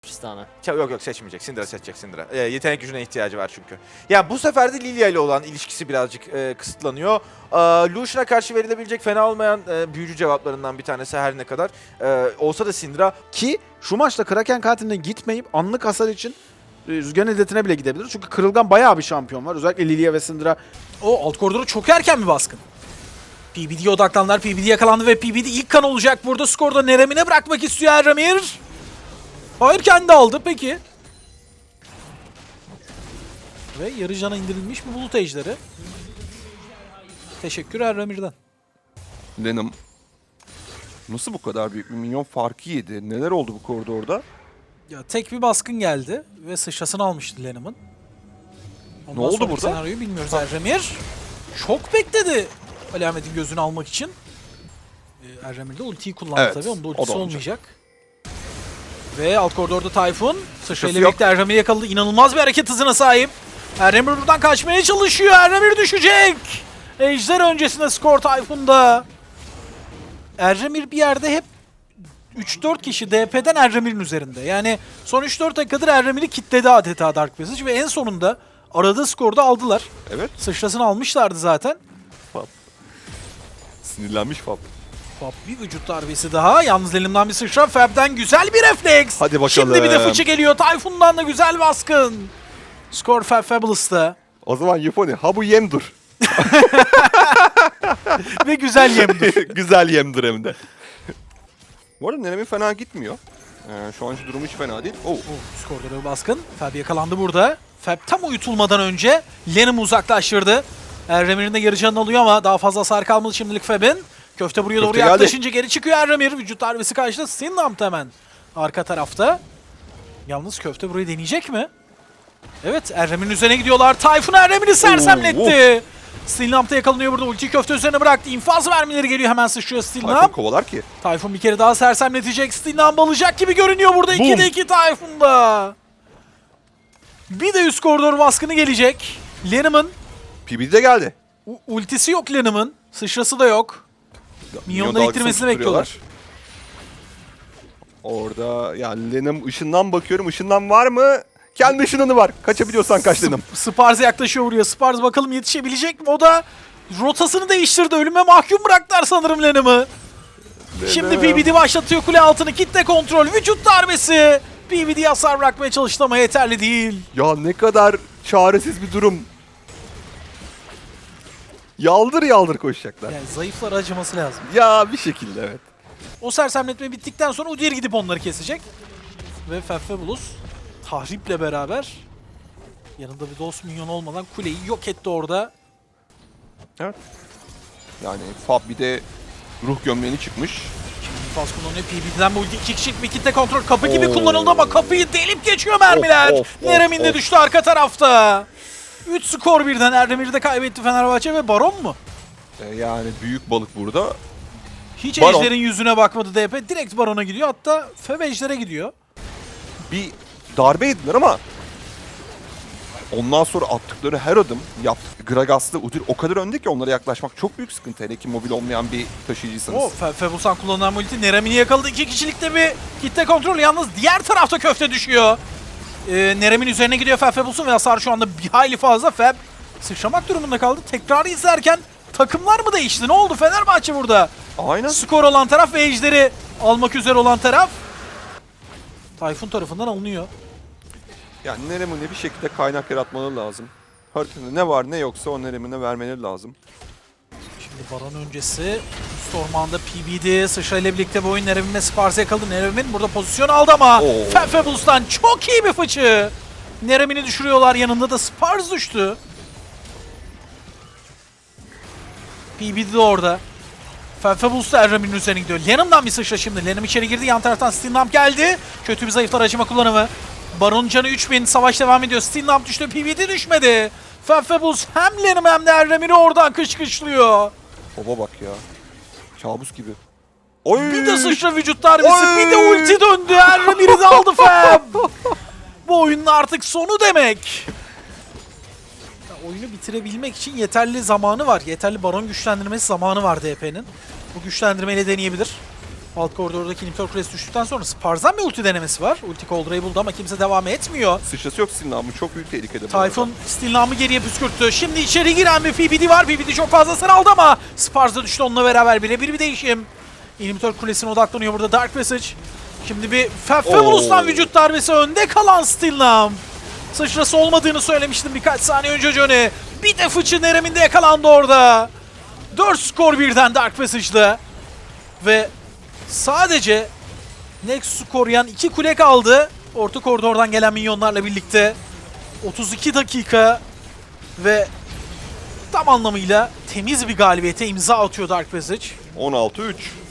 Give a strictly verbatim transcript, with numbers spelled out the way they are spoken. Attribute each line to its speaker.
Speaker 1: Tristana.
Speaker 2: Yok yok seçmeyecek. Syndra seçecek Syndra. E, yetenek gücüne ihtiyacı var çünkü. Ya bu sefer de Lilia ile olan ilişkisi birazcık e, kısıtlanıyor. E, Lucian'a karşı verilebilecek fena olmayan e, büyücü cevaplarından bir tanesi her ne kadar. E, olsa da Syndra
Speaker 3: Ki şu maçta Kraken katiline gitmeyip anlık hasar için e, Rüzgar'ın illetine bile gidebilir. Çünkü Kırılgan bayağı bir şampiyon var. Özellikle Lilia ve Syndra.
Speaker 4: O alt koridoru çok erken bir baskın. P B D'ye odaklandılar. P B D yakalandı ve P B D ilk kan olacak. Burada skorda Nerem'ine bırakmak istiyor Erramir. Hayır, kendi aldı. Peki. Ve yarı cana indirilmiş bir bulut ejderi. Teşekkür Erramir'den.
Speaker 5: Lenham nasıl bu kadar büyük bir minyon farkı yedi? Neler oldu bu koridorda?
Speaker 4: Ya tek bir baskın geldi ve sıçrasını almıştı Lenham'ın. Ondan
Speaker 5: Ne oldu
Speaker 4: sonraki
Speaker 5: burada?
Speaker 4: Senaryoyu bilmiyoruz Erramir. Çok bekledi Ali Ahmet'in gözünü almak için. Ee, Erramir de ultiyi kullandı
Speaker 5: Evet,
Speaker 4: tabii. Onun da
Speaker 5: o da
Speaker 4: ultisi
Speaker 5: olmayacak.
Speaker 4: olmayacak. Ve alt koridorda Tayfun. Sıçrayla
Speaker 5: yok.
Speaker 4: birlikte Erramir'i yakaladı. İnanılmaz bir hareket hızına sahip. Erramir buradan kaçmaya çalışıyor. Erramir düşecek. Ejder öncesinde skor Tayfun'da. Erramir bir yerde hep üç dört kişi D P'den Erramir'in üzerinde. Yani son üç dört dakikadır Erramir'i kitledi adeta Dark Passage ve en sonunda aradığı skorda aldılar.
Speaker 5: Evet.
Speaker 4: Sıçrasını almışlardı zaten.
Speaker 5: Sinirlenmiş Fab.
Speaker 4: Fab bir vücut darbesi daha. Yalnız elimden bir sıçra. Fab'den güzel bir refleks.
Speaker 5: Hadi bakalım.
Speaker 4: Şimdi bir de fıçı geliyor. Tayfun'dan da güzel baskın. Skor Fab Fabulous'ta.
Speaker 5: O zaman Yufoni, ha bu yemdur.
Speaker 4: Ve güzel yemdir.
Speaker 5: Güzel yemdur hem de. Bu arada Nerem'in fena gitmiyor. Ee, şu anki durumu hiç fena değil. Oh.
Speaker 4: Skorda bir baskın. Fab yakalandı burada. Fab tam uyutulmadan önce Lenham'ı uzaklaştırdı. Erramir'in de yarı canını alıyor ama daha fazla hasar kalmadı şimdilik Fab'in. Köfte buraya doğru
Speaker 5: Köfte geldi.
Speaker 4: yaklaşınca geri çıkıyor Erramir. Vücut darbesi karşıda. Sinlamp hemen arka tarafta. Yalnız Köfte burayı deneyecek mi? Evet, Erramir'in üzerine gidiyorlar. Tayfun Erramir'i sersemletti. Stilnamp'ta yakalanıyor burada. Ulti Köfte üzerine bıraktı. İnfaz vermeleri geliyor. Hemen sıçrıyor
Speaker 5: Tayfun
Speaker 4: Stilnamp.
Speaker 5: kovalar ki.
Speaker 4: Tayfun bir kere daha sersemletecek. Stilnamp alacak gibi görünüyor burada.
Speaker 5: Boom.
Speaker 4: ikide iki Tayfun'da. Bir de üst koridor baskını gelecek. Lenham'ın
Speaker 5: P B D geldi.
Speaker 4: u- ultisi yok Lenham'ın. Sıçrası da yok. Minyonları
Speaker 5: Minyon
Speaker 4: ittirmesini
Speaker 5: dalgasını
Speaker 4: bekliyorlar.
Speaker 5: Orada yani Lenham ışından bakıyorum. Işından var mı? Kendi ışınını var. Kaçabiliyorsan kaç Lenham.
Speaker 4: Sparz yaklaşıyor buraya. Sparz bakalım yetişebilecek mi? O da rotasını değiştirdi. Ölüme mahkum bıraktılar sanırım Lenham'ı. Şimdi P B D başlatıyor kule altını. Kitle kontrol. Vücut darbesi. P B D hasar bırakmaya çalıştı ama yeterli değil.
Speaker 5: Ya ne kadar çaresiz bir durum. Yaldır yaldır koşacaklar.
Speaker 4: Yani zayıflar acıması lazım.
Speaker 5: Ya bir şekilde evet.
Speaker 4: O sersemletme bittikten sonra Udyr gidip onları kesecek. Ve Fefebulus tahriple beraber yanında bir dost minyon olmadan kuleyi yok etti orada.
Speaker 5: Evet. Yani Fab bir de ruh gömleğini çıkmış.
Speaker 4: Faz kullanıyor. P B D'den bu ulti iki kişilik bir kitle kontrol. Kapı gibi
Speaker 5: Oo.
Speaker 4: kullanıldı ama kapıyı delip geçiyor mermiler.
Speaker 5: Of, of,
Speaker 4: Nerem'in de
Speaker 5: of.
Speaker 4: düştü arka tarafta. üç skor birden. Erdemir'i de kaybetti Fenerbahçe ve Baron mu?
Speaker 5: Ee, yani büyük balık burada.
Speaker 4: Hiç
Speaker 5: Baron.
Speaker 4: Ejder'in yüzüne bakmadı D P. Direkt Baron'a gidiyor. Hatta Fev Ejder'e gidiyor.
Speaker 5: Bir darbe yediler ama ondan sonra attıkları her adım yaptı. Gragas'la Udyr o kadar önde ki onlara yaklaşmak çok büyük sıkıntı. Hele ki mobil olmayan bir taşıyıcıysanız.
Speaker 4: O Fe Febusan kullanılan ulti Nerem'ini yakaladı. İki kişilikte bir kitle kontrol. Yalnız diğer tarafta Köfte düşüyor. Ee, Nerem'in üzerine gidiyor Feb Febus'un ve hasar şu anda bir hayli fazla. Feb sıçramak durumunda kaldı. Tekrarı izlerken takımlar mı değişti? Ne oldu Fenerbahçe burada?
Speaker 5: Aynen.
Speaker 4: Skor olan taraf ve Ejder'i almak üzere olan taraf. Tayfun tarafından alınıyor.
Speaker 5: Yani Nerem'e bir şekilde kaynak yaratmaları lazım. Haritada ne var ne yoksa o Nerem'e vermeleri lazım.
Speaker 4: Şimdi Baron öncesi üst ormanda P B D sıçrayla birlikte bu oyun Nerem'in ve Spars'ı yakaladı. Nerem'in burada pozisyon aldı ama
Speaker 5: Oo.
Speaker 4: Feb Febuls'tan çok iyi bir fıçı. Nerem'ini düşürüyorlar. Yanında da Spars düştü. P B D de orada. Feb Febuls da Erramir'in üzerine gidiyor. Lenham'dan bir sıçra şimdi. Lenham içeri girdi. Yan taraftan Stilnamp geldi. Kötü bir zayıflar acıma kullanımı. Baron canı üç bin. Savaş devam ediyor. Stilnamp düştü. P B D düşmedi. Feb Febuls hem Lenham hem de Erramir'i oradan kışkışlıyor.
Speaker 5: Baba bak ya. Kabus gibi. Oy!
Speaker 4: Bir de sıçra vücut darbesi,
Speaker 5: Oy!
Speaker 4: bir de ulti döndü. Erramir'i de aldı Feb. Bu oyunun artık sonu demek. Ya, oyunu bitirebilmek için yeterli zamanı var. Yeterli baron güçlendirmesi zamanı var D P'nin. Bu güçlendirmeyle deneyebilir. Alt koridordaki inhibitor kulesi düştükten sonra Sparz'dan bir ulti denemesi var. Ulti Coldra'yı buldu ama kimse devam etmiyor.
Speaker 5: Sıçrası yok Sinan'ın, bu çok büyük tehlikede. bu arada.
Speaker 4: Tayfun Stilnam'ı geriye püskürttü. Şimdi içeri giren bir P B D var. P B D çok fazla hasar aldı ama Sparz da düştü onunla beraber. Birebir bir değişim. İnhibitor kulesine odaklanıyor burada Dark Passage. Şimdi bir Fe- Fabulous'tan
Speaker 5: Oo.
Speaker 4: vücut darbesi, önde kalan Stilnam. Sıçrası olmadığını söylemiştim birkaç saniye önce Johnny. Bir de fıçı Nerem'inde yakalandı orada. dört skor birden Dark Passage'da. Ve sadece Nexus'u koruyan iki kule kaldı. Orta koridordan gelen minyonlarla birlikte. otuz iki dakika ve tam anlamıyla temiz bir galibiyete imza atıyor Dark Passage.
Speaker 5: on altı üç.